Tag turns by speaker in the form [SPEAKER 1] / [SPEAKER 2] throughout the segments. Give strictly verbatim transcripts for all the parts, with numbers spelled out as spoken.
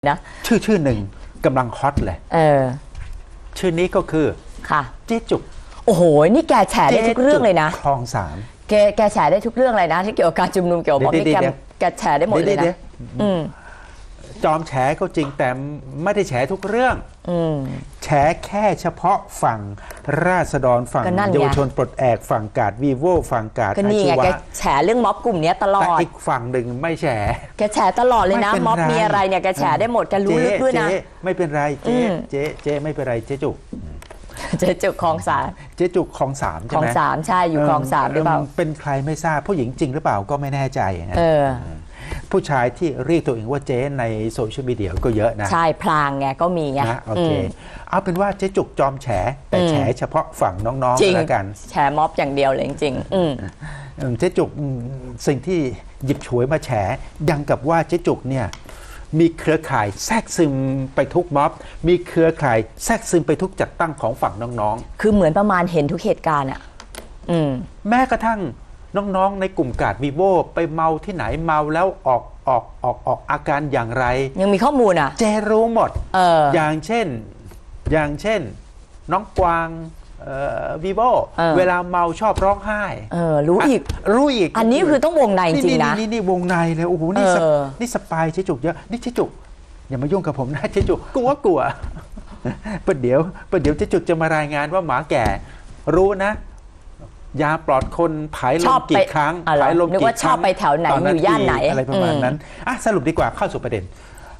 [SPEAKER 1] นะ
[SPEAKER 2] ชื่อชื่อหนึ่งกำลังฮอตเลย
[SPEAKER 1] เออ
[SPEAKER 2] ชื่อนี้ก็คือ
[SPEAKER 1] ค่ะ
[SPEAKER 2] เจ๊จุก
[SPEAKER 1] โอ้โหนี่แกแฉได้ทุกเรื่องเลยนะ
[SPEAKER 2] คลองสาม
[SPEAKER 1] แกแกแฉได้ทุกเรื่องเลยนะที่เกี่ยวกับการชุมนุมเกี่ยวกับม็อบนี่แกแกแฉได้หมดเลยนะอืม
[SPEAKER 2] จอมแฉก็จริงแต่ไม่ได้แฉทุกเรื่องแฉแค่เฉพาะฝั่งราษฎรฝั่งเยาวชนปลดแอกฝั่งกาดวีโวฝั่งกาด
[SPEAKER 1] ก็นี่ไงแกแฉเรื่องม็อบกลุ่มนี้ตลอด
[SPEAKER 2] แต่อีกฝั่งหนึ่งไม่แฉ
[SPEAKER 1] แกแฉตลอดเลยนะม็อบมีอะไรเนี่ยแกแฉได้หมดแกรู้ลึกด้วยนะ
[SPEAKER 2] ไม่เป็นไรเจ๊เจ๊เจ๊ไม่เป็นไรเจ๊จุก
[SPEAKER 1] เจ๊จุกคลองสาม
[SPEAKER 2] เจ๊จุกคลองสามใช่ไหม
[SPEAKER 1] คลองสามใช่อยู่คลองสามหรือเปล่า
[SPEAKER 2] เป็นใครไม่ทราบผู้หญิงจริงหรือเปล่าก็ไม่แน่ใจนะผู้ชายที่เรียกตัวเองว่าเจ๊ในโซเชียลมีเดียก็เยอะนะ
[SPEAKER 1] ใช่พลางไงก็มีไง
[SPEAKER 2] นะโอเคเอาเป็นว่าเจ๊จุกจอมแฉแต่แฉเฉพาะฝั่งน้องๆแล้วกัน
[SPEAKER 1] แฉม็อบอย่างเดียวเลยจริง
[SPEAKER 2] ๆเจ๊จุกสิ่งที่หยิบฉวยมาแฉยังกับว่าเจ๊จุกเนี่ยมีเครือข่ายแทรกซึมไปทุกม็อบมีเครือข่ายแทรกซึมไปทุกจัดตั้งของฝั่งน้อง
[SPEAKER 1] ๆคือเหมือนประมาณเห็นทุกเหตุการณ์อ่ะ
[SPEAKER 2] แม้กระทั่งน้องๆในกลุ่มกาดวีโวไปเมาที่ไหนเมาแล้วออกออกออกออกอาการอย่างไร
[SPEAKER 1] ยังมีข้อมูลอ่ะ
[SPEAKER 2] เจรู้หมด
[SPEAKER 1] เออ
[SPEAKER 2] อย่างเช่นอย่างเช่นน้องกวางวีโวเวลาเมาชอบร้องไห้
[SPEAKER 1] เออรู้อีก
[SPEAKER 2] รู้อีก
[SPEAKER 1] อันนี้คือต้องวงในจริงนะ
[SPEAKER 2] นี่นี่วงในเลยโอ้โหนี่นี่สปายเจ๊จุกเยอะนี่เจ๊จุกอย่ามายุ่งกับผมนะเจ๊จุกกลัวกลัวประเดี๋ยวประเดี๋ยวเจ๊จุกจะมารายงานว่าหมาแก่รู้นะยาปลอดคนผายลมกี่ครั้ง
[SPEAKER 1] ผายลมกี่ครั้งชอบไปแถวไหนอยู่ย่านไหน
[SPEAKER 2] อะไรประมาณนั้นอ่ะสรุปดีกว่าเข้าสู่ประเด็น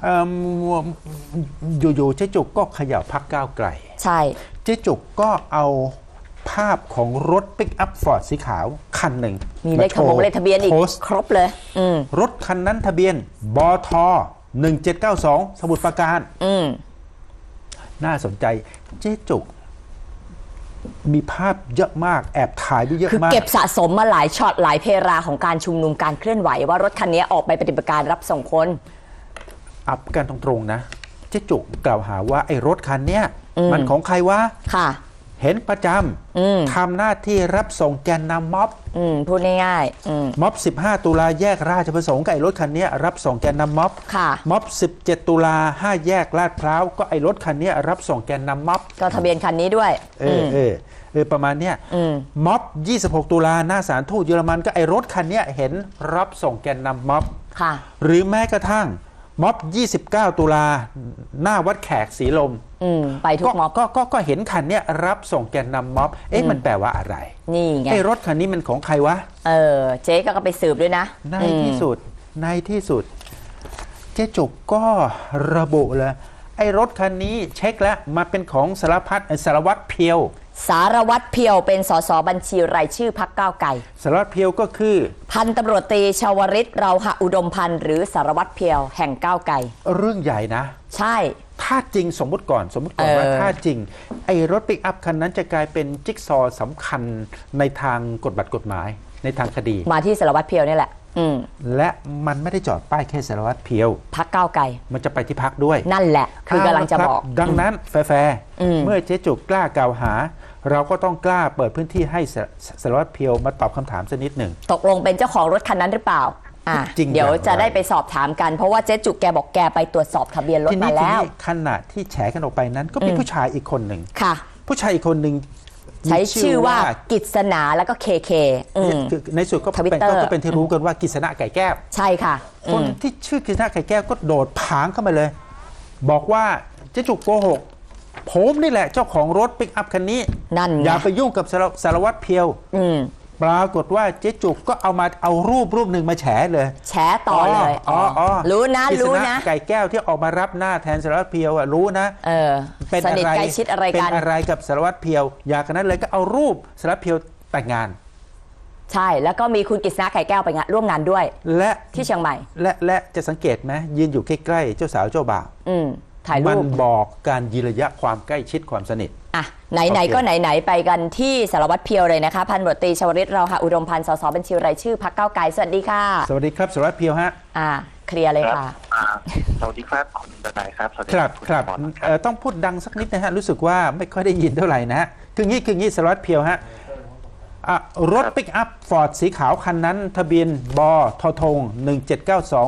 [SPEAKER 2] อยู่ๆเจ๊จุกก็ขยับพรรคก้าวไกล
[SPEAKER 1] ใช่
[SPEAKER 2] เจ๊จุกก็เอาภาพของรถปิกอัพฟอร์ดสีขาวคันหนึ่ง
[SPEAKER 1] มีเลขทะเบียนเลขทะเบียนอีกครบเลย
[SPEAKER 2] รถคันนั้นทะเบียนบทหนึ่งเจ็ดเก้าสองสมุทรปราการน่าสนใจเจ๊จุกมีภาพเยอะมากแอบถ่ายด้วยเยอะมาก
[SPEAKER 1] คือเก็บสะสมมาหลายช็อตหลายเพราของการชุมนุมการเคลื่อนไหวว่ารถคันนี้ออกไปปฏิบัติการรับส่งคน
[SPEAKER 2] อับกันตรงๆนะเจ๊จุกกล่าวหาว่าไอ้รถคันนี้มันของใครวะ
[SPEAKER 1] ค่ะ
[SPEAKER 2] เห็นประจำทำหน้าที่รับส่งแกนนำม็อบ
[SPEAKER 1] พูดง่ายๆ
[SPEAKER 2] ม็อบสิบห้าตุลาแยกราชประสงค์กับไอ้รถคันนี้รับส่งแกนนำม็อบม็อบสิบเจ็ดตุลาห้าแยกลาดพร้าวก็ไอ้รถคันนี้รับส่งแกนนำม็อบ
[SPEAKER 1] ก็ทะเบียนคันนี้ด้วย
[SPEAKER 2] เออเออเออประมาณเนี้ยม็อบยี่สิบหกตุลาหน้าศาลทูตเยอรมันก็ไอ้รถคันนี้เห็นรับส่งแกนนำม็อบหรือแม้กระทั่งม็อบยี่สิบเก้าตุลาหน้าวัดแขกศรีลม
[SPEAKER 1] ไปทุกม็อบ
[SPEAKER 2] ก็ก็ก็เห็นคันนี้รับส่งแกนนำม็อบเอ๊ะมันแปลว่าอะไร
[SPEAKER 1] นี่ไง
[SPEAKER 2] ไอ้รถคันนี้มันของใครวะ
[SPEAKER 1] เออเจ๊ก็ไปสืบด้วยนะ
[SPEAKER 2] ในที่สุดในที่สุดเจ๊จุกก็ระบุเลยไอ้รถคันนี้เช็คแล้วมาเป็นของสารพัดสารวัตรเพียว
[SPEAKER 1] สารวัตรเพียวเป็นสสบัญชีรายชื่อพรรคก้าวไกล
[SPEAKER 2] สารวัตรเพียวก็คือ
[SPEAKER 1] พันตำรวจตรีชวริตเราหอุดมพันธ์หรือสารวัตรเพียวแห่งก้าวไกล
[SPEAKER 2] เรื่องใหญ่นะ
[SPEAKER 1] ใช่
[SPEAKER 2] ถ้าจริงสมมุติก่อนสมมุติก่อนว่าถ้าจริงไอ้รถปิกอัพคันนั้นจะกลายเป็นจิ๊กซอสำคัญในทางกฎบัตรกฎหมายในทางคดี
[SPEAKER 1] มาที่สารวัตรเพียวนี่แหละ
[SPEAKER 2] และมันไม่ได้จอดป้ายแค่สารวัตรเพียว
[SPEAKER 1] พรรคก้าวไกล
[SPEAKER 2] มันจะไปที่พรรคด้วย
[SPEAKER 1] นั่นแหละคือกำลังจะบอก
[SPEAKER 2] ดังนั้นแฟร์เมื่อเจ๊จุกกล้ากล่าวหาเราก็ต้องกล้าเปิดพื้นที่ให้สารวัตรเพียวมาตอบคำถามสักนิดหนึ่ง
[SPEAKER 1] ตกลงเป็นเจ้าของรถคันนั้นหรือเปล่าอ่ะเดี๋ยวจะได้ไปสอบถามกันเพราะว่าเจ๊จุกแกบอกแกไปตรวจสอบทะเบียนรถมาแล้ว
[SPEAKER 2] ขณะที่แฉกันออกไปนั้นก็มีผู้ชายอีกคนหนึ่ง
[SPEAKER 1] ค่ะ
[SPEAKER 2] ผู้ชายอีกคนหนึ่ง
[SPEAKER 1] ใช้ชื่อว่ากิษณาแล้วก็เคเค
[SPEAKER 2] ในสุดก็เป็นก็เป็นที่รู้กันว่ากิษณะไก่แก้ว
[SPEAKER 1] ใช่ค่ะ
[SPEAKER 2] คนที่ชื่อกิษณะไก่แก้วก็โดดผางเข้ามาเลยบอกว่าเจ๊จุกโกหกผมนี่แหละเจ้าของรถปิกอัพคันนี้
[SPEAKER 1] นั่น
[SPEAKER 2] อย่าไปยุ่งกับสารวัตรเพียวปรากฏว่าเจ๊จุกก็เอามาเอารูปรูปหนึ่งมาแฉเลย
[SPEAKER 1] แฉต่อเลยอ๋ออ๋อรู้นะรู้นะ
[SPEAKER 2] ไก่แก้วที่ออกมารับหน้าแทนสารวัตรเพียวอ่ะรู้นะ
[SPEAKER 1] เออเป็นอะไรใกล้ชิดอะไรกัน
[SPEAKER 2] เป็นอะไรกับสารวัตรเพียวอยากกันนั้นเลยก็เอารูปสารวัตรเพียวแต่งงาน
[SPEAKER 1] ใช่แล้วก็มีคุณกฤษณะไก่แก้วไปงานร่วมงานด้วย
[SPEAKER 2] และ
[SPEAKER 1] ที่เชียงใหม่
[SPEAKER 2] และและจะสังเกตไหมยืนอยู่ใกล้ๆเจ้าสาวเจ้าบ่าว
[SPEAKER 1] ถ่ายรูป
[SPEAKER 2] มันบอกการยืนระยะความใกล้ชิดความสนิท
[SPEAKER 1] อ่ะไหนๆก็ไหนๆไปกันที่สารวัตรเพียวเลยนะคะพันตำรวจตรีชวริตเราหอุดมพันธ์สสบัญชีรายชื่อพรรคก้าวไกลสวัสดีค่ะ
[SPEAKER 2] สวัสดีครับสารวัตรเพียวฮะ
[SPEAKER 1] อ่าเคลียร์เลยค่ะ
[SPEAKER 3] สวัสดีครับคุณทนายครับ
[SPEAKER 2] ครับครับต้องพูดดังสักนิดนะฮะรู้สึกว่าไม่ค่อยได้ยินเท่าไหร่นะฮะคืองี้คืองี้สารวัตรเพียวฮะรถปิกอัพฟอร์ดสีขาวคันนั้นทะเบียนบททงหนึ่งเจ็ดเก้าสอง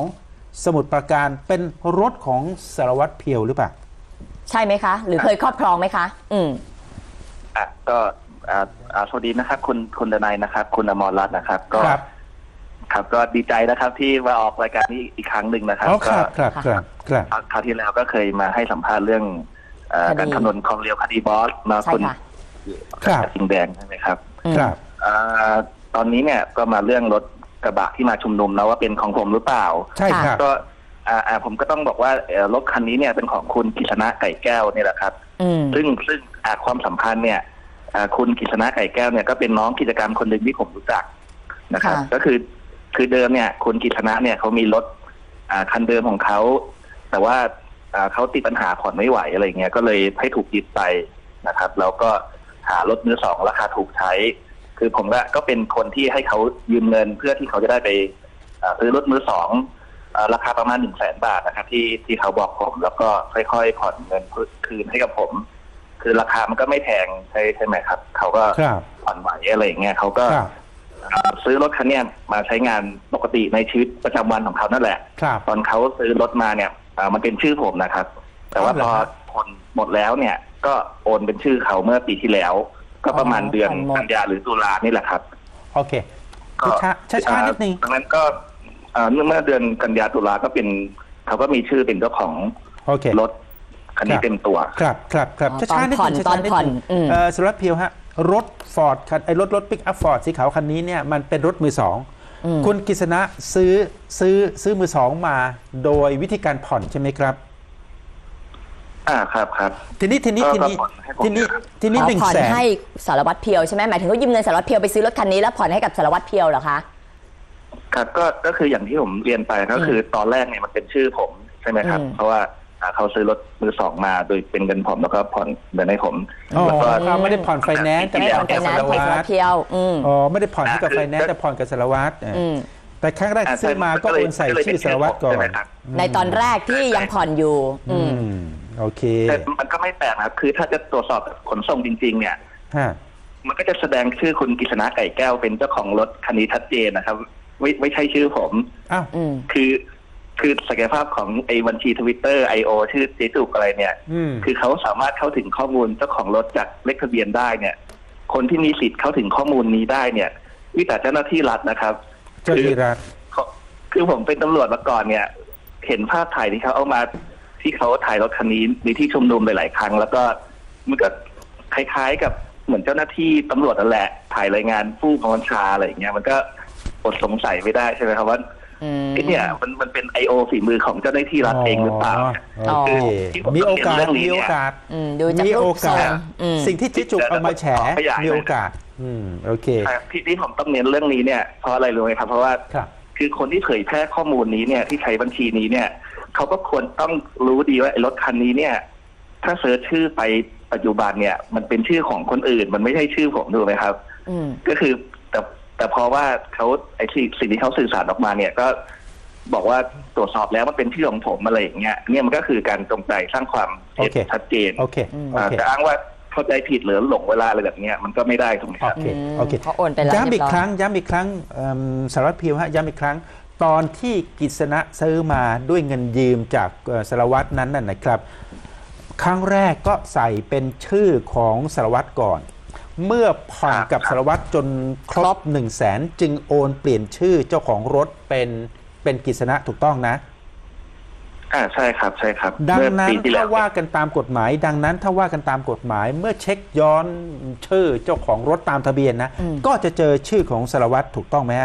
[SPEAKER 2] สมุทรปราการเป็นรถของสารวัตรเพียวหรือเปล่า
[SPEAKER 1] ใช่ไหมคะ หรือเคยครอบครองไหมคะ อืม
[SPEAKER 3] อ่ะก็อ่าอ่าสวัสดีนะครับ คุณคุณดนัยนะครับ คุณอมรรัตน์นะครับ ก็
[SPEAKER 2] ครับ
[SPEAKER 3] ครับก็ดีใจนะครับที่มาออกรายการนี้อีกครั้งหนึ่งนะครับ
[SPEAKER 2] อ๋อค
[SPEAKER 3] ก็
[SPEAKER 2] รับครับครับครับ
[SPEAKER 3] คราวที่แล้วก็เคยมาให้สัมภาษณ์เรื่องเอ่อ
[SPEAKER 1] คดี
[SPEAKER 3] การคำนวณความเร็วคดีบอสมา
[SPEAKER 1] ใช่
[SPEAKER 3] คุณ
[SPEAKER 1] ค่ะ
[SPEAKER 2] ครับ
[SPEAKER 3] สิงห์แดงใช่ไหมครับ
[SPEAKER 1] อืม
[SPEAKER 2] ครับ
[SPEAKER 3] อ่าตอนนี้เนี่ยก็มาเรื่องรถกระบะที่มาชุมนุมแล้วว่าเป็นของผมหรือเปล่า
[SPEAKER 2] ใช่ครับ
[SPEAKER 3] ก็อ่าอ่าผมก็ต้องบอกว่าเอ่อรถคันนี้เนี่ยเป็นของคุณกฤษณะไก่แก้วเนี่ยแหละครับ
[SPEAKER 1] อืม
[SPEAKER 3] ซึ่งซึ่งอ่าความสัมพันธ์เนี่ยอ่าคุณกฤษณะไก่แก้วเนี่ยก็เป็นน้องกิจกรรมคนหนึ่งที่ผมรู้จักนะครับ
[SPEAKER 1] ค่ะ
[SPEAKER 3] ก็คือคือเดิมเนี่ยคุณกฤษณะเนี่ยเขามีรถอ่าคันเดิมของเขาแต่ว่าอ่าเขาติดปัญหาผ่อนไม่ไหวอะไรเงี้ยก็เลยให้ถูกยึดไปนะครับแล้วก็หารถมือสองราคาถูกใช้ คือผมก็ก็เป็นคนที่ให้เขายืมเงินเพื่อที่เขาจะได้ไปอ่าซื้อรถมือสองอ่าราคาประมาณหนึ่งแสนบาทนะครับที่ที่เขาบอกผม แล้วก็ค่อยๆผ่อนเงินคืนให้กับผม คือราคามันก็ไม่แพงใช่ใช่ไหมครับเขาก็
[SPEAKER 2] ครับ
[SPEAKER 3] ผ่อนไหวอะไรอย่างเงี้ยเขาก็
[SPEAKER 2] ครับ
[SPEAKER 3] อ่าซื้อรถคันเนี้ยมาใช้งานปกติในชีวิตประจำวันของเขานั่นแหละ
[SPEAKER 2] ครับ
[SPEAKER 3] ตอนเขาซื้อรถมาเนี่ยอ่ามันเป็นชื่อผมนะครับ แต่ว่า
[SPEAKER 2] อ๋อเหร
[SPEAKER 3] พ
[SPEAKER 2] อ
[SPEAKER 3] อ
[SPEAKER 2] ครับ
[SPEAKER 3] ผ่อนหมดแล้วเนี่ย ก็โอนเป็นชื่อเขาเมื่อปีที่แล้ว ก็ประมาณ
[SPEAKER 1] อ๋อ
[SPEAKER 3] เดือน
[SPEAKER 1] ผ่อนหมด
[SPEAKER 3] กันยาหรือตุลานี่แหละครับ
[SPEAKER 2] โอเค
[SPEAKER 3] ก็
[SPEAKER 2] ช้าช้าช้าๆนิดนึง
[SPEAKER 3] ดังนั้นก็อ่าเมื่อเดือนกันยาตุลาก็เป็นเขาก็มีชื่อเป็นเจ้าของ
[SPEAKER 2] โอเค
[SPEAKER 3] รถคันนี้
[SPEAKER 2] ครับ
[SPEAKER 3] เต็มตัว
[SPEAKER 2] ครับครับครับ
[SPEAKER 1] อ๋อ
[SPEAKER 2] ช้าช้าๆนิด
[SPEAKER 1] ตอ
[SPEAKER 2] นึ
[SPEAKER 1] น
[SPEAKER 2] ง
[SPEAKER 1] ผ่อน
[SPEAKER 2] ช้าๆนิด
[SPEAKER 1] ตอนผ่อน
[SPEAKER 2] นึง
[SPEAKER 1] อืม
[SPEAKER 2] เอ่อสารวัตรเพียวฮะรถฟอร์ดคันไอ้รถรถปิกอัพฟอร์ดสีขาวคันนี้เนี่ยมันเป็นรถมือสอง
[SPEAKER 1] อืม
[SPEAKER 2] คุณกฤษณะซื้อซื้อซื้อมือสองมาโดยวิธีการผ่อนใช่ไหมครับ
[SPEAKER 3] อ่าครับครับ
[SPEAKER 2] ทีนี้ทีนี้
[SPEAKER 3] ก็
[SPEAKER 2] ทีนี้
[SPEAKER 3] ก็ผ่อนให้ผม
[SPEAKER 2] ทีนี้
[SPEAKER 3] นะครับ
[SPEAKER 2] ทีนี้
[SPEAKER 1] อ๋อ
[SPEAKER 2] หนึ่ง
[SPEAKER 1] ผ่อน
[SPEAKER 2] แสน
[SPEAKER 1] ให้สารวัตรเพียวใช่ไหมหมายถึงเขายืมเงินสารวัตรเพียวไปซื้อรถคันนี้แล้วผ่อนให้กับสารวัตรเพียวเหรอคะ
[SPEAKER 3] ครับก็ก็คืออย่างที่ผมเรียนไปก็คือตอนแรกเนี่ยมันเป็นชื่อผมใช่ไหมครับ
[SPEAKER 1] อืม
[SPEAKER 3] เพราะว่าอ่าเขาซื้อรถมือสองมาโดยเป็นเงินผมแล้วก็ผ่อนเงินให้ผม
[SPEAKER 2] อ๋อ
[SPEAKER 3] แล้วก็
[SPEAKER 2] เขาไม่ได้ผ่อนไฟแนนซ์แต่
[SPEAKER 1] ไม่
[SPEAKER 2] ผ่
[SPEAKER 1] ผ่
[SPEAKER 2] อ
[SPEAKER 1] อน น
[SPEAKER 2] กับ
[SPEAKER 1] ไป
[SPEAKER 2] สา
[SPEAKER 1] นั้น
[SPEAKER 2] ร
[SPEAKER 1] ผ่อนสาร
[SPEAKER 2] วั
[SPEAKER 1] วั
[SPEAKER 2] ต
[SPEAKER 1] ต
[SPEAKER 2] ร
[SPEAKER 1] รเพียว อืม
[SPEAKER 2] อ๋อไม่ได้ผ่อนให้กับ
[SPEAKER 3] อ่า
[SPEAKER 2] ไฟแนนซ์
[SPEAKER 3] คือ
[SPEAKER 2] แต่ผ่อนกับสารวัตรเอออ
[SPEAKER 1] อืม
[SPEAKER 2] แต่ครั้งแรกซื้อมาก็โอนใส่ชื่อสารวัตรก่อน
[SPEAKER 3] ใช่ไหมครับ
[SPEAKER 1] ในตอนแรกที่ยังผ่อนอยู่ อื
[SPEAKER 2] อื
[SPEAKER 1] ม
[SPEAKER 2] มโอเค
[SPEAKER 3] แต่มันก็ไม่แปลกนะครับคือถ้าจะตรวจสอบขนส่งจริง ๆ เนี่ย
[SPEAKER 2] ฮะ
[SPEAKER 3] มันก็จะแสดงชื่อคุณกฤษณะไก่แก้วเป็นเจ้าของรถคันนี้ชัดเจนนะครับ ไม่ไม่ใช่ชื่อผม
[SPEAKER 2] อ้าว
[SPEAKER 1] อืม
[SPEAKER 3] คือคือศักยภาพของไอ้บัญชีทวิตเตอร์ไอโอชื่อเจจุกอะไรเนี่ย
[SPEAKER 2] อืม
[SPEAKER 3] คือเขาสามารถเข้าถึงข้อมูลเจ้าของรถจากเลขทะเบียนได้เนี่ย คนที่มีสิทธิ์เข้าถึงข้อมูลนี้ได้เนี่ยวิแต่เจ้าหน้าที่รัฐนะครับ
[SPEAKER 2] เจ้าที่รัฐ
[SPEAKER 3] คือคือผมเป็นตำรวจมาก่อนเนี่ย เห็นภาพถ่ายที่เขาเอามาที่เขาถ่ายรถคันนี้ในที่ชุมนุมหลาย ๆ ครั้ง แล้วก็มันก็คล้าย ๆ กับเหมือนเจ้าหน้าที่ตำรวจนั่นแหละถ่ายรายงานผู้บังคับบัญชาอะไรอย่างเงี้ยมันก็อดสงสัยไม่ได้ใช่ไหมครับว่า
[SPEAKER 1] อืม
[SPEAKER 3] ไอ้เนี่ยมันมันเป็นไอโอฝีมือของเจ้าหน้าที่รัฐเองหรือเปล่า
[SPEAKER 2] โอเค
[SPEAKER 3] ที่ผม
[SPEAKER 2] มีโอกาส
[SPEAKER 3] เรียนเรื่องนี้
[SPEAKER 2] มี
[SPEAKER 3] เนี่ย
[SPEAKER 2] โอกาส
[SPEAKER 1] อืมดูจาก
[SPEAKER 2] มี
[SPEAKER 1] รู
[SPEAKER 2] โอ
[SPEAKER 1] ปทร
[SPEAKER 2] กาง ส
[SPEAKER 1] อืม
[SPEAKER 2] สิ่งที่จิจุกเอามาแฉ
[SPEAKER 3] ขยาย
[SPEAKER 2] มีโอกาส อืมโอเค
[SPEAKER 3] ใช่ที่ที่ผมต้องเน้นเรื่องนี้เนี่ยเพราะอะไรรู้ไหมครับ เพราะว่า
[SPEAKER 2] ครับ
[SPEAKER 3] คือคนที่เผยแพร่ข้อมูลนี้เนี่ยที่ใช้บัญชีนี้เนี่ยเขาก็ควรต้องรู้ดีว่าไอ้รถคันนี้เนี่ย ถ้าเสิร์ชชื่อไปปัจจุบันเนี่ย มันเป็นชื่อของคนอื่น มันไม่ใช่ชื่อผมถูกไหมครับ
[SPEAKER 1] อืม
[SPEAKER 3] ก็คือแต่แต่เพราะว่าเขาไอ้สิ่งสิ่งที่เขาสื่อสารออกมาเนี่ยก็บอกว่าตรวจสอบแล้วมันเป็นชื่อของผมอะไรอย่างเงี้ยเนี่ยมันก็คือการจงใจสร้างความเท็จ
[SPEAKER 2] โอเค
[SPEAKER 3] ชัดเจน
[SPEAKER 2] โอเค โอ
[SPEAKER 3] อ่า
[SPEAKER 2] เค
[SPEAKER 3] จะอ้างว่าเข้าใจผิดหรือหลงเวลาอะไรแบบเนี้ยมันก็ไม่ได้ถูกไหมค
[SPEAKER 2] โอ
[SPEAKER 3] รับ
[SPEAKER 2] เค
[SPEAKER 1] อืม
[SPEAKER 2] โอเค
[SPEAKER 1] เขาโอนไปแล้ว
[SPEAKER 2] ย้ำอีก
[SPEAKER 1] เรียบร้อย
[SPEAKER 2] ครั้ง ย้ำอีกครั้งเอิ่มสารวัตรเพียวฮะ ย้ำอีกครั้ง ตอนที่กฤษณะซื้อมาด้วยเงินยืมจากเอ่อสารวัตรนั้นน่ะนะครับ ครั้งแรกก็ใส่เป็นชื่อของสารวัตรก่อน เมื่อผ่อนกับสารวัตรจนครบหนึ่งแสนจึงโอนเปลี่ยนชื่อเจ้าของรถเป็นเป็นกฤษณะถูกต้องนะ
[SPEAKER 3] อ่าใช่ครับใช่ครับ
[SPEAKER 2] ดัง
[SPEAKER 3] เมื่อ
[SPEAKER 2] นั้น
[SPEAKER 3] ปีที่แล้
[SPEAKER 2] ถ้าว ว่ากันตามกฎหมาย ดังนั้นถ้าว่ากันตามกฎหมาย เมื่อเช็คย้อนชื่อเจ้าของรถตามทะเบียนนะ
[SPEAKER 1] อืม
[SPEAKER 2] ก็จะเจอชื่อของสารวัตรถูกต้องไหมฮะ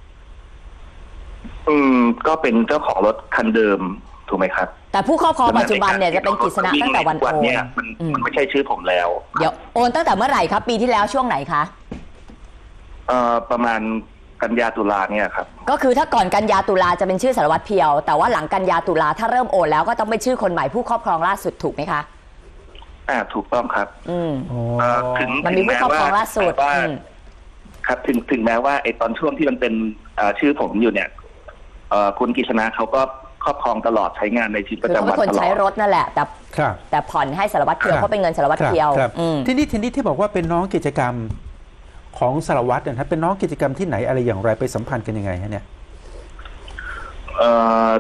[SPEAKER 3] อืมก็เป็นเจ้าของรถคันเดิมถูกไหมครับ
[SPEAKER 1] แต่ผู้ครอบครองปัจจุบันเนี่ยจะเป็นกฤษณะตั้งแต่วันโอน
[SPEAKER 3] เนี่ยมัน
[SPEAKER 1] อืม
[SPEAKER 3] มันไม่ใช่ชื่อผมแล้ว
[SPEAKER 1] เดี๋ยวโอนตั้งแต่เมื่อไหร่ครับ ปีที่แล้วช่วงไหนคะ
[SPEAKER 3] เอ่อประมาณกันยาตุลาเนี่ยครับ
[SPEAKER 1] ก็คือถ้าก่อนกันยาตุลาจะเป็นชื่อสารวัตรเพียว แต่ว่าหลังกันยาตุลาถ้าเริ่มโอนแล้วก็ต้องเป็นชื่อคนใหม่ผู้ครอบครองล่าสุดถูกไหมคะ
[SPEAKER 3] อ่าถูกต้องครับ
[SPEAKER 1] อืม
[SPEAKER 3] เอ่อถึง
[SPEAKER 1] มันมีผู้ครอบครองล่าสุด
[SPEAKER 3] ว่า
[SPEAKER 1] อืม
[SPEAKER 3] ครับถึงถึงแม้ว่าไอ้ตอนช่วงที่มันเป็นเอ่อชื่อผมอยู่เนี่ยเอ่อคุณกฤษณะเขาก็ครอบครองตลอดใช้งานในชีวิตป
[SPEAKER 1] คือ
[SPEAKER 3] ระ
[SPEAKER 1] เขา
[SPEAKER 3] จำวั
[SPEAKER 1] เป็น นคน
[SPEAKER 3] ตลอ
[SPEAKER 1] ใช้
[SPEAKER 3] ด
[SPEAKER 1] รถนั่นแหละ แต่
[SPEAKER 2] ครับ
[SPEAKER 1] แต่ผ่อนให้สารวัตรเพียวเพราะเป็นเงินสารวัตร
[SPEAKER 2] ครับ
[SPEAKER 1] เพียว
[SPEAKER 2] ครับ
[SPEAKER 1] อืม
[SPEAKER 2] ทีนี้ทีนี้ที่บอกว่าเป็นน้องกิจกรรมของสารวัตรเนยนะครับเป็นน้องกิจกรรมที่ไหนอะไรอย่างไรไปสัมพันธ์กันยังไงฮะเนี่ย
[SPEAKER 3] เอ่อ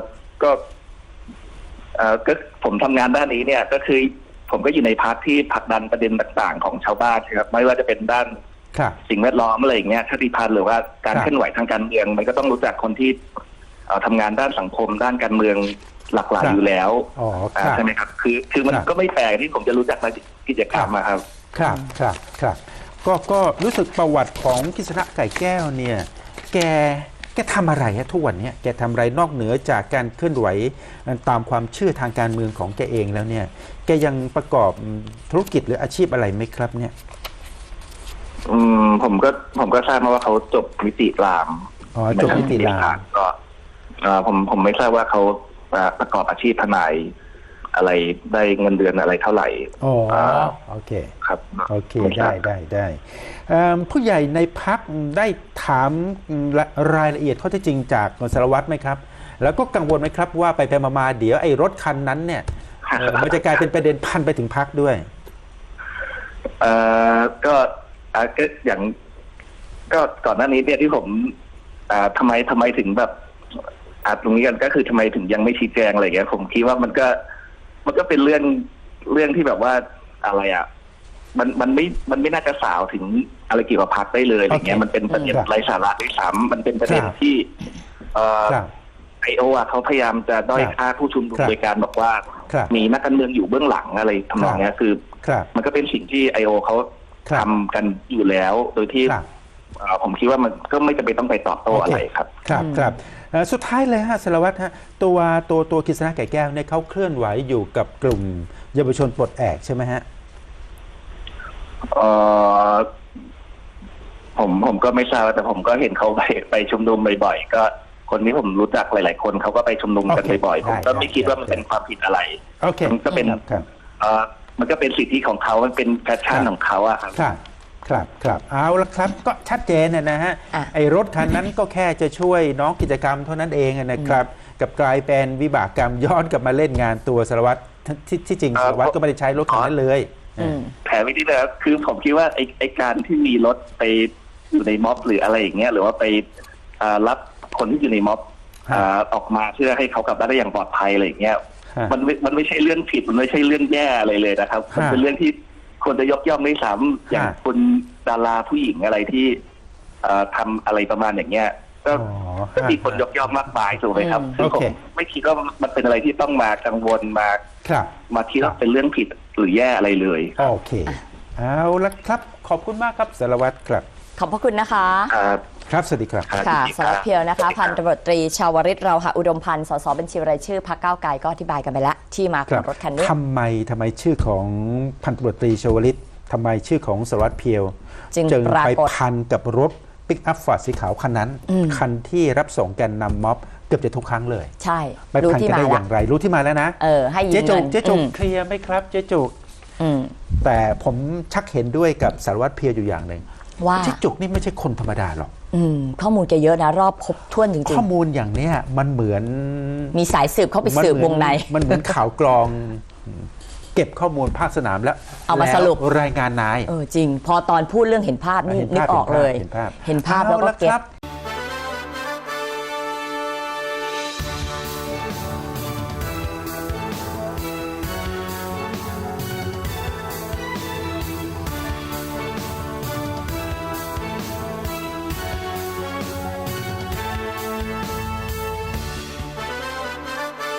[SPEAKER 3] ก็เอ่อก็ผมทำงานด้านนี้เนี่ย ก็คือผมก็อยู่ในพรรคที่ผลักดันประเด็นต่างๆของชาวบ้านครับไม่ว่าจะเป็นด้าน
[SPEAKER 2] ครับ
[SPEAKER 3] สิ่งแวดล้อมอะไรอย่างเงี้ยชาติพันธุ์หรือว่าการ
[SPEAKER 2] ครับ
[SPEAKER 3] เคลื่อนไหวทางการเมืองมันก็ต้องรู้จักคนที่เอ่อทำงานด้านสังคมด้านการเมืองหลากหลาย
[SPEAKER 2] ครับ
[SPEAKER 3] อยู่แล้ว
[SPEAKER 2] อ๋อค
[SPEAKER 3] อ่า
[SPEAKER 2] รับ
[SPEAKER 3] ใช่ไหมครับ คือคือมัน
[SPEAKER 2] ครับ
[SPEAKER 3] ก็ไม่แปลกที่ผมจะรู้จักในกิจกรรมอะครับ
[SPEAKER 2] ครับครับครับก็ก็รู้สึกประวัติของกฤษณะไก่แก้วเนี่ยแกแกทำอะไรฮะทุกวันเนี้ยแกทำอะไรนอกเหนือจากการเคลื่อนไหวตามความเชื่อทางการเมืองของแกเองแล้วเนี่ยแกยังประกอบธุรกิจหรืออาชีพอะไรไหมครับเนี่ย
[SPEAKER 3] อืมผมก็ผมก็ทราบมาว่าเขาจบนิติราม
[SPEAKER 2] อ๋อจบนิติราม
[SPEAKER 3] ก็เอ่อผมผมไม่ทราบว่าเขาเอ่อประกอบอาชีพทนายอะไรได้เงินเดือนอะไรเท่าไหร่
[SPEAKER 2] อ๋อ
[SPEAKER 3] อ่า
[SPEAKER 2] โอเค
[SPEAKER 3] ครับ
[SPEAKER 2] โอเค
[SPEAKER 3] ม่ทรา
[SPEAKER 2] ได้
[SPEAKER 3] บ
[SPEAKER 2] ได้ได้เอิ่มผู้ใหญ่ในพักได้ถามรายละเอียดข้อเท็จจริงจากสารวัตรไหมครับ แล้วก็กังวลไหมครับว่าไปไปมาๆเดี๋ยวไอ้รถคันนั้นเนี่ยเอ่อมันจะกลายเป็นประเด็นพันไปถึงพักด้วย
[SPEAKER 3] เอ่อก็อ่าก็อย่าง ก็ก่อนหน้านี้เนี่ยที่ผมอ่าทำไมทำไมถึงแบบอ่าตรงนี้กันก็คือทำไมถึงยังไม่ชี้แจงอะไรอย่างเงี้ยผมคิดว่ามันก็ มันก็เป็นเรื่องเรื่องที่แบบว่าอะไรอ่ะ มันมันไม่มันไม่น่าจะสาวถึงอะไรเกี่ยวกับพรรคได้เลยอะไรเงี้ย
[SPEAKER 2] โอเค
[SPEAKER 3] มันเป็นประเด็น
[SPEAKER 2] ครับ
[SPEAKER 3] ไร้สาระด้วยซ้ำมันเป็นประเด็น
[SPEAKER 2] ครับ
[SPEAKER 3] ที่เอ่อ
[SPEAKER 2] ครับ
[SPEAKER 3] ไอโออ่ะเขาพยายามจะด้อย
[SPEAKER 2] ครับ
[SPEAKER 3] ค่าผู้ชุมนุม
[SPEAKER 2] ครับ
[SPEAKER 3] โดยการบอกว่า
[SPEAKER 2] ครับ
[SPEAKER 3] มีนักการเมืองอยู่เบื้องหลังอะไรทำนองเนี้ยคือ
[SPEAKER 2] ครับ
[SPEAKER 3] มันก็เป็นสิ่งที่ไอโอเขา
[SPEAKER 2] ครับ
[SPEAKER 3] ทำกันอยู่แล้ว โดยที่
[SPEAKER 2] ครับ
[SPEAKER 3] เอ่อผมคิดว่ามันก็ไม่จำเป็นต้องไปตอบโต้อะไรครับ
[SPEAKER 2] ครับ
[SPEAKER 1] อืม
[SPEAKER 2] ครับเอ่อสุดท้ายเลยฮะสารวัตรฮะตัวตัวตัวกฤษณะไก่แก้วเนี่ยเขาเคลื่อนไหวอยู่กับกลุ่มเยาวชนปลดแอกใช่ไหมฮะ
[SPEAKER 3] เออผมผมก็ไม่ทราบแต่ผมก็เห็นเขาไปไปชุมนุมบ่อยๆก็คนที่ผมรู้จักหลาย ๆ คนเขาก็ไปชุมนุมกัน
[SPEAKER 2] โอเค
[SPEAKER 3] บ่อยๆผมก็
[SPEAKER 2] ได้
[SPEAKER 3] ไม่คิดว่ามัน
[SPEAKER 2] ได้
[SPEAKER 3] เป็นความผิดอะไร
[SPEAKER 2] โอเค
[SPEAKER 3] มันก็เป็น
[SPEAKER 2] ครับครับ
[SPEAKER 3] เออมันก็เป็นสิทธิของเขามันเป็นแพชชั่น
[SPEAKER 2] ครับ
[SPEAKER 3] ของเขาอะครับ
[SPEAKER 2] ครับครับครับเอาละครับก็ชัดเจนนะนะฮะ
[SPEAKER 1] อ่ะ
[SPEAKER 2] ไอ้รถคันนั้นก็แค่จะช่วยน้องกิจกรรมเท่านั้นเองนะครับ กับกลายเป็นวิบากกรรมย้อนกลับมาเล่นงานตัวสารวัตรที่ที่จริง
[SPEAKER 3] เอ่อ
[SPEAKER 2] สารวัตรก็ไม่ได้ใช้รถคันนั้นเลย
[SPEAKER 1] อืม
[SPEAKER 3] แผนวิธีนะครับคือผมคิดว่าไอ้ไอ้การที่มีรถไปอยู่ในม็อบหรืออะไรอย่างเงี้ยหรือว่าไปอ่ารับคนที่อยู่ในม็อบ
[SPEAKER 2] ครับ
[SPEAKER 3] อ่าออกมาเพื่อให้เขากลับบ้านได้อย่างปลอดภัยอะไรอย่างเงี้ย
[SPEAKER 2] ฮะ
[SPEAKER 3] มันไม่มันไม่ใช่เรื่องผิดมันไม่ใช่เรื่องแย่อะไรเลยนะครับ มัน
[SPEAKER 2] ฮะ
[SPEAKER 3] เป็นเรื่องที่ควรจะยกย่องด้วยซ้ำอย่าง
[SPEAKER 2] ฮะ
[SPEAKER 3] คุณดาราผู้หญิงอะไรที่เอ่อทำอะไรประมาณอย่างเงี้ย ก็
[SPEAKER 2] อ๋อ
[SPEAKER 3] ก็มีคนยกย่องมากมายถูกไหมครับ
[SPEAKER 1] อืม
[SPEAKER 3] ซึ่ง
[SPEAKER 2] โอ
[SPEAKER 3] ผ
[SPEAKER 2] เค
[SPEAKER 3] มไม่คิดว่ามันเป็นอะไรที่ต้องมากังวลมา
[SPEAKER 2] ครับ
[SPEAKER 3] มาคิดว่าเป็นเรื่องผิดหรือแย่อะไรเลย
[SPEAKER 2] โอเคเอาละครับขอบคุณมากครับสารวัตรครับ
[SPEAKER 1] ขอบพระคุณนะคะ
[SPEAKER 3] ครับ
[SPEAKER 2] ครับสวัสดีครับ
[SPEAKER 3] ครับ
[SPEAKER 1] ค่ะ
[SPEAKER 3] ยินดี
[SPEAKER 1] สารวัตรเพียวนะคะ
[SPEAKER 3] รับ
[SPEAKER 1] พันตำรวจตรีชาวริตเราหะอุดมพันธ์สสบัญชีรายชื่อพรรคก้าวไกลก็อธิบายกันไปแล้ว ที่มาของรถคันนี้
[SPEAKER 2] ทำไมทำไมชื่อของพันตำรวจตรีชวลิตทำไมชื่อของสารวัตรเพียว
[SPEAKER 1] จึง
[SPEAKER 2] จึง
[SPEAKER 1] ปรา
[SPEAKER 2] ไป
[SPEAKER 1] กฏ
[SPEAKER 2] พันกับรถปิกอัพฟอร์ดสีขาวคันนั้น
[SPEAKER 1] อืม
[SPEAKER 2] คันที่รับส่งแกนนำม็อบเกือบจะทุกครั้งเลย
[SPEAKER 1] ใช่
[SPEAKER 2] ไป
[SPEAKER 1] รู้
[SPEAKER 2] พัน
[SPEAKER 1] ที่
[SPEAKER 2] กัน
[SPEAKER 1] มา
[SPEAKER 2] ได้อ
[SPEAKER 1] แล้ว
[SPEAKER 2] ย่างไร รู้ที่มาแล้วนะ
[SPEAKER 1] เออให้ยื
[SPEAKER 2] เจ๊
[SPEAKER 1] ม
[SPEAKER 2] จุ
[SPEAKER 1] เงิ
[SPEAKER 2] ก
[SPEAKER 1] น
[SPEAKER 2] เจ๊จุก
[SPEAKER 1] อืม
[SPEAKER 2] เคลียร์ไหมครับเจ๊จุก
[SPEAKER 1] อืม
[SPEAKER 2] แต่ผมชักเห็นด้วยกับสารวัตรเพียวอยู่อย่างหนึ่ง
[SPEAKER 1] ว่า
[SPEAKER 2] เจ๊จุกนี่ไม่ใช่คนธรรมดาหรอก
[SPEAKER 1] อืมข้อมูลแกเยอะนะ รอบครบถ้วนจริง
[SPEAKER 2] ข้อมูลอย่างเนี้ยมันเหมือน
[SPEAKER 1] ๆ มีสายสืบเข้าไปสืบ
[SPEAKER 2] มั
[SPEAKER 1] วงใน
[SPEAKER 2] มันเหมือนข่าวกรอง เก็บข้อมูลภาคสนามแล้ว
[SPEAKER 1] เอามาสรุป
[SPEAKER 2] แล้วรายงานนาย
[SPEAKER 1] เออจริง พอตอนพูดเรื่องเห็นภาพนี่
[SPEAKER 2] เห็น
[SPEAKER 1] นึ
[SPEAKER 2] ภาพ
[SPEAKER 1] กออกเลย
[SPEAKER 2] เห็นภาพ
[SPEAKER 1] เห็นภาพแล้วก็
[SPEAKER 2] อ
[SPEAKER 1] เก็ต
[SPEAKER 2] ครับ